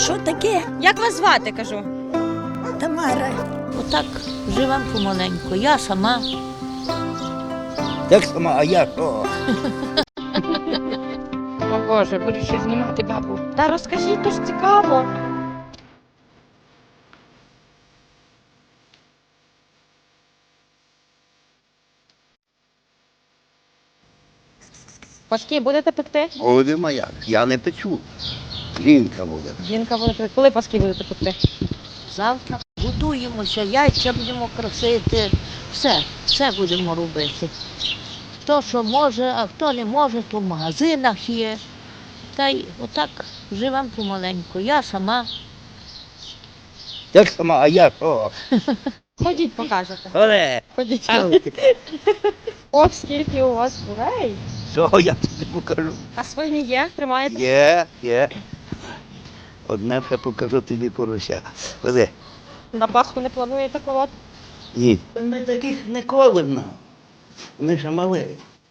Що таке? Як вас звати, кажу? Тамара. Отак живемо помаленьку. Я сама. Як сама, а я що? О Боже, буду ще знімати бабу. Та розкажіть, то ж цікаво. Паски будете пекти? Голові моя, я не печу. Жінка буде. Жінка буде пекти. Коли паски будете пекти? Завтра готуємося, яйця будемо красити. Все будемо робити. Хто що може, а хто не може, то в магазинах є. Та й отак живемо помаленьку. Я сама. Як сама, а я що? Ходіть, покажете. Оле, Ходіть. але О, скільки у вас курей. що я тобі покажу? А свині є? Тримаєте? Є. Одне ще покажу тобі порося. Ходи. На Пасху не плануєте колоти? Ні. Ми таких не колимо. Ми ще мали.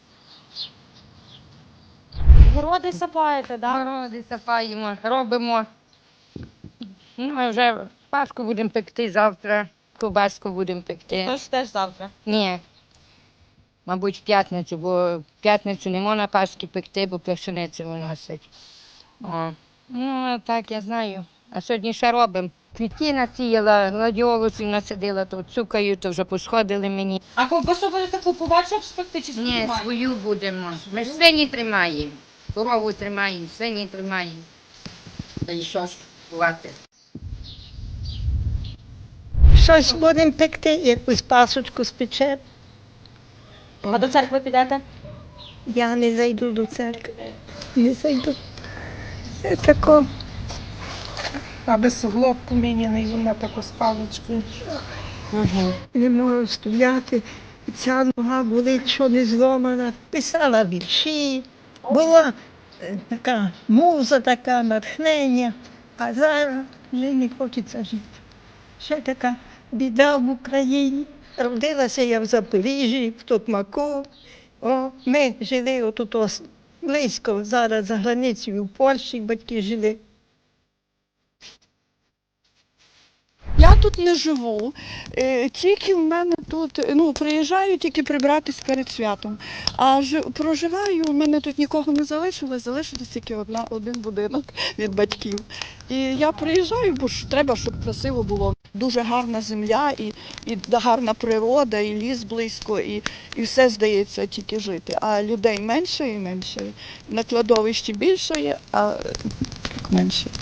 Городи сапаєте, так? Городи сапаємо, робимо. Ну, а вже паску будемо пекти завтра, ковбаску будемо пекти. Тож теж завтра. Ні. Мабуть, в п'ятницю, бо в п'ятницю не можна паски пекти, бо пшеницю виносить. О. Ну, а так я знаю. А сьогодні ще робимо. Квітки насіяла, гладіолусів насадила, то цукаю, то вже посходили мені. А ковбасу будете купувати, щоб спекти чи Ні, свою будемо. Ми ж свині тримаємо. Корову тримаємо, свині тримаємо. Та й що ж бувати? Щось будемо пекти, якусь пасочку спечемо. А до церкви підете? Я не зайду до церкви. Не зайду. Це тако. Аби суглоб поміняний, вона таку з паличкою. Не можу стояти. Ця нога болить, що не зломана. Писала вірші. Була така муза, така натхнення. А зараз вже не хочеться жити. Ще така біда в Україні. Родилася я в Запоріжжі, в Токмаку. Ми жили отут близько, зараз за границею в Польщі батьки жили. Я тут не живу, тільки в мене тут, приїжджаю тільки прибратись перед святом. А проживаю, у мене тут нікого не залишилось, залишилось тільки один будинок від батьків. І я приїжджаю, бо ж треба, щоб красиво було. Дуже гарна земля, і гарна природа, і ліс близько, і все здається тільки жити. А людей менше і менше. На кладовищі більше є, а менше.